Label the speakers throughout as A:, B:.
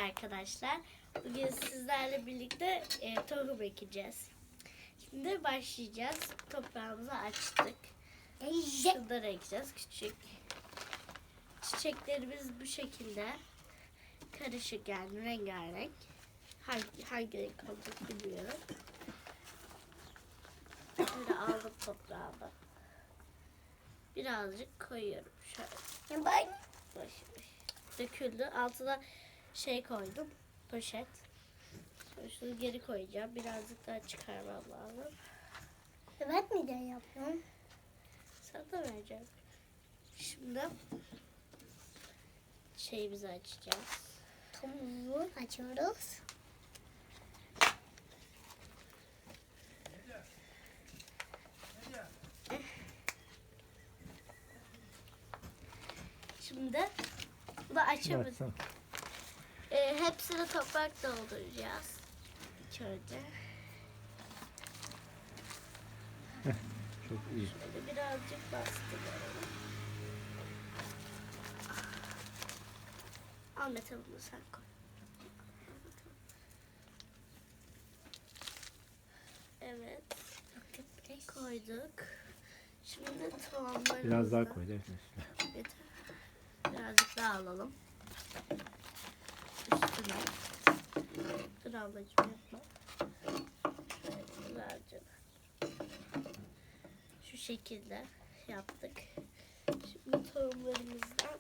A: arkadaşlar. Bugün sizlerle birlikte tohum ekeceğiz. Şimdi başlayacağız. Toprağımızı açtık. Şunları ekeceğiz. Küçük. Çiçeklerimiz bu şekilde. Karışık yani rengarenk. Hangi renk olacak bilmiyorum. Şöyle aldım toprağımı. Birazcık koyuyorum. Şöyle. Baş. Döküldü. Altına koydum. Poşet. Şunu geri koyacağım. Birazcık daha çıkarmam lazım.
B: Evet mi de yapıyorum?
A: Sana da vereceğim. Şimdi şeyimizi açacağız.
B: Tomuzu açıyoruz.
A: Şimdi bu da açamadım. Hepsini toprak dolduracağız. Şöyle.
C: Çok iyi.
A: Şöyle birazcık bastıralım. Ahmet bunu sen koy. Evet. Koyduk. Şimdi tohumlarımızı...
C: Biraz daha koy Defne üstüne.
A: Yeter. Birazcık daha alalım. Üstüne. Dur ablacığım yapma. Şöyle birazcık. Şu şekilde yaptık. Şimdi tohumlarımızdan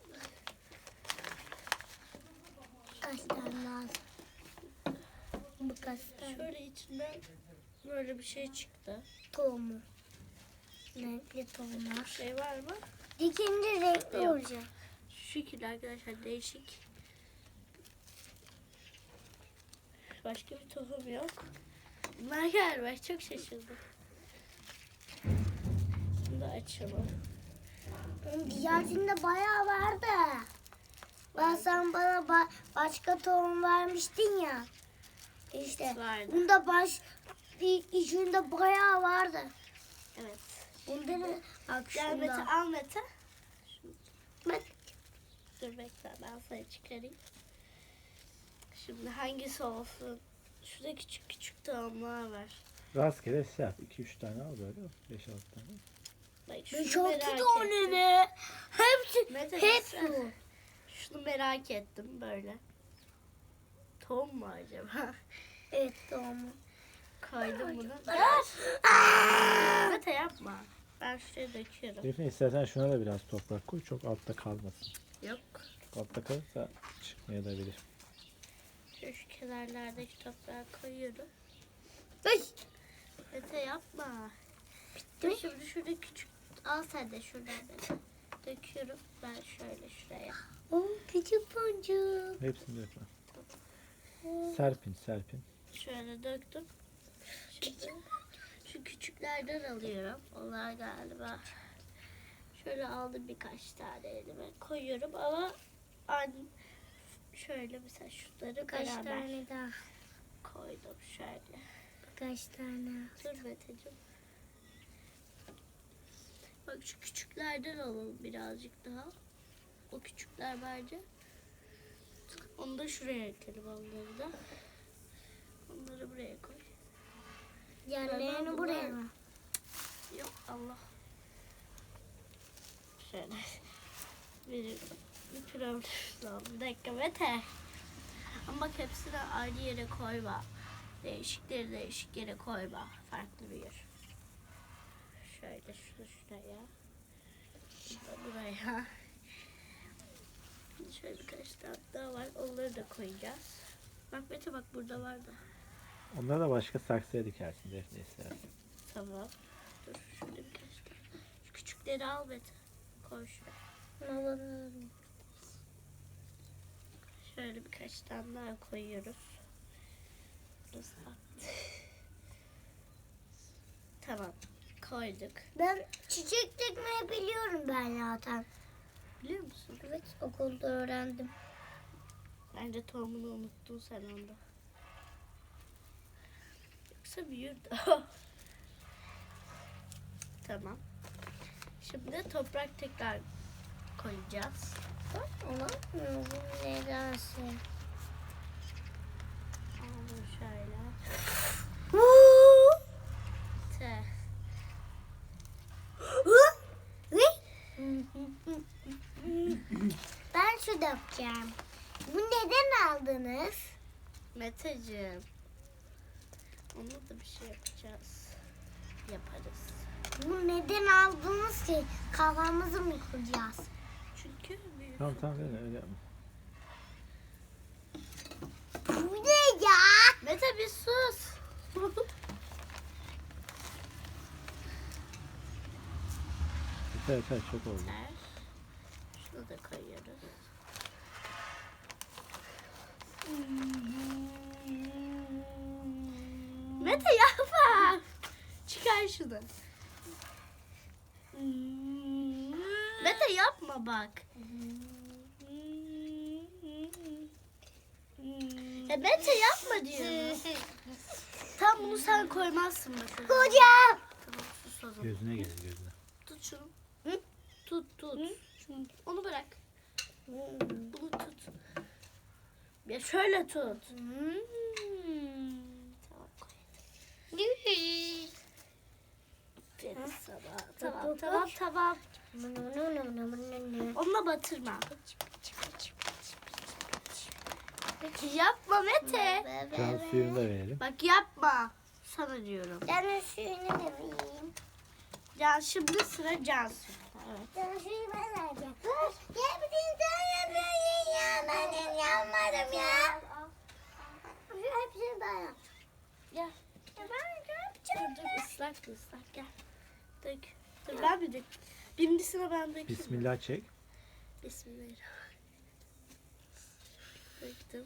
B: Kaç tane lazım? Bu kaç tane?
A: şöyle içinden böyle bir şey çıktı.
B: Tohumu. Renkli tohumlar.
A: Şey var mı?
B: Dikince renkli
A: Yok.
B: olacak.
A: Şu şekilde arkadaşlar değişik. Başka bir tohum yok. Bunlar galiba çok şaşırdım. Şimdi açalım.
B: Diğerinde bayağı vardı. Sen bana başka tohum vermiştin ya. İşte
A: Vardı.
B: bunda içinde bayağı vardı.
A: Evet.
B: Bunda ne? Bak
A: Gel Mete,
B: şunda.
A: al Mete.
B: Bak.
A: Dur bekle ben sana çıkarayım. Şimdi hangisi olsun? Şurada küçük küçük tohumlar var.
C: Rastgele şey yap. 2-3 tane al böyle. 5-6 tane.
A: Bak şunu
B: 5-6
A: merak
B: tane
A: ettim.
B: mi? Hepsi.
A: Mete,
B: Hepsi.
A: sen- Şunu merak ettim böyle. Tohum mu acaba?
B: Evet tohumu.
A: Koydum bunu. Mete yapma. Ben şuraya döküyorum.
C: Defne istersen şuna da biraz toprak koy. Çok altta kalmasın.
A: Yok.
C: Çok altta kalırsa çıkmayabilir.
A: Şu kenarlardaki toprağı koyuyorum.
B: Ay.
A: Mete yapma. Dur şimdi şurada küçük. Al sen de şuradan Mete. Döküyorum. Ben şöyle şuraya.
B: Oh, küçük boncuk.
C: Hepsini dökme. Serpin.
A: Şöyle döktüm. Şimdi şu küçüklerden alıyorum. Onlar galiba. Şöyle aldım birkaç tane elime koyuyorum ama şöyle mesela şunları
B: Kaç
A: beraber
B: tane daha?
A: koydum şöyle.
B: Kaç tane?
A: Dur Meteciğim. Bak şu küçüklerden alalım birazcık daha. O küçükler bence. Onu da şuraya ekelim onları da. Onları buraya koy.
B: Yerlerini buraya mı?
A: Yok Allah. Şöyle. Bir problem oldu. Bir dakika Mete. Ama bak hepsini aynı yere koyma. Değişikleri değişik yere koyma. Farklı bir yer. Şöyle şunu şuraya. Şunu da buraya. Şöyle birkaç tane daha var. Onları da koyacağız. Bak Mete bak burada var da.
C: Onları da başka saksıya dikersin Defne istersen.
A: Tamam. Dur şurada birkaç tane. Şu küçükleri al Mete. Koy şuraya.
B: Alalım.
A: Şöyle birkaç tane daha koyuyoruz. Burası attı. Tamam. Koyduk.
B: Ben çiçek dikmeyi biliyorum ben zaten.
A: Biliyor musun?
B: Evet okulda öğrendim.
A: Bence tohumunu unuttun sen onda. Yoksa büyürdü. Tamam. Şimdi toprak tekrar koyacağız.
B: Bak ona nedense. yapacağım. Bu neden aldınız?
A: Meteciğim. Onunla da bir şey yapacağız. Yaparız.
B: Bu neden aldınız ki? Kafamızı mı kıracağız?
A: Çünkü büyük.
C: Tamam tamam öyle yapma.
B: Bu ne ya?
A: Mete bir sus.
C: Yeter yeter çok oldu.
A: Yeter. Şunu da koyuyoruz. Mete yapma. Çıkar şunu. Mete yapma bak. Mete yapma diyorum. Tam bunu sen koymazsın mesela.
B: Hocam.
A: Tamam sus o zaman.
C: Gözüne gelir gözüne.
A: Tut şunu. Tut tut. Şunu. Onu bırak. Bunu tut. Ya şöyle tut. Tamam koy. Aferin sana. Tamam tamam tamam. Onunla batırma. Yapma Mete.
C: Can suyunu da verelim.
A: Bak yapma. Sana diyorum.
B: Ben suyunu da vereyim.
A: Ya şimdi sıra Cansu. Evet.
B: Ben suyu ben vereceğim. Dur. Ya bütün sen yapıyorsun ya. Ben yapmadım ya. Hepsini ben yaptım.
A: Gel.
B: Ya ben yapacağım.
A: Dur ıslak gel. Dök. Dur ben bir dök. Birincisine ben dökeyim.
C: Bismillah çek.
A: Bismillahirrahmanirrahim. Döktüm.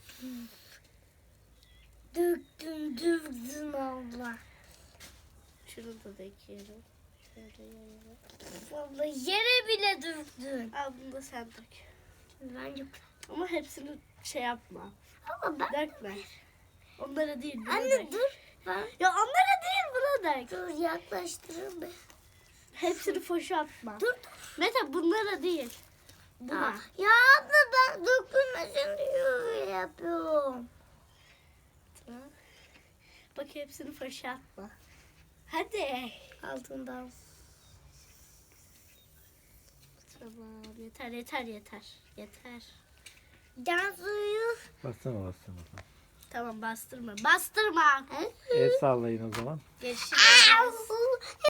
B: Döktün abla.
A: Şunu da döküyorum. Şöyle yayalım.
B: Abla yere bile döktün.
A: Al bunu da sen dök.
B: Bence.
A: Ama hepsini şey yapma.
B: Ama ben.
A: Dökme. Onlara değil buna
B: Anne
A: dök.
B: dur. Ben.
A: Ya onlara değil buna dök.
B: Dur yaklaştırın be.
A: Hepsini foşa atma.
B: Dur.
A: Mete bunlara değil. Buna.
B: Ya abla ben dökülmesin diye yapıyorum.
A: Tamam. Bak hepsini foşa atma. Hadi.
B: Altından.
A: Tamam yeter.
B: Can suyu.
C: Bassana.
A: Tamam bastırma. Bastırma.
C: El sallayın o zaman.
A: Görüşürüz.
B: Au!